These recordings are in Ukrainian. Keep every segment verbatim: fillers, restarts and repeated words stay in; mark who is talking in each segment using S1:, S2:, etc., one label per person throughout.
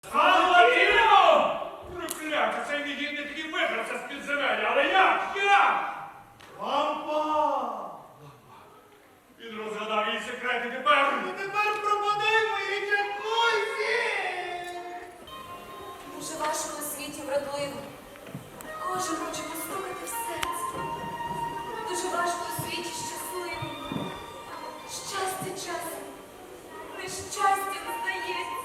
S1: Салатіно! Прокляття, цей негідник і вибрався з підземелля, але як? Як?
S2: Лампа!
S1: Він розгадав її секрети тепер.
S2: Ну тепер пропадай мої джакузі!
S3: Дуже важко у світі вродливо. Кожен хоче постукати в серце. Дуже важко у світі щасливо. Щастя часом. Нещастя не здається.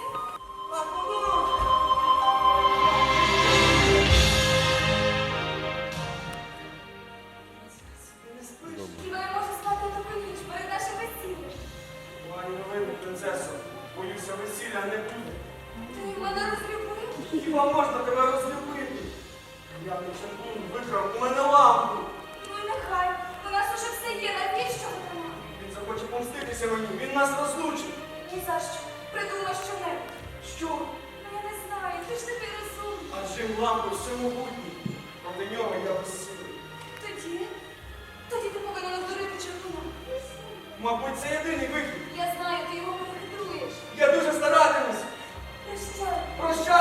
S3: Хіба я можу спати таку ніч перед нашим весіллям?
S2: Погані новини, принцесо. Боюся, весілля не буде.
S3: Ти мене розлюбив?
S2: Хіба можна тебе розлюбити? Я не чергун викрав у мене лампу.
S3: Ну і нехай. У нас уже все є. Навіщо вона?
S2: Він захоче помститися мені, він нас розлучить.
S3: Ні за що. Придумай що-небудь.
S2: Що?
S3: Ну я не знаю. Ти ж такий розумний.
S2: Адже лампу всемогутній. Проти нього я безсилий.
S3: Тоді? Тоді ти повинен обдурити чергуна.
S2: Мабуть, це єдиний вихід.
S3: Я знаю, ти його перехитруєш.
S2: Я дуже старатимусь.
S3: Прощай.
S2: Прощай!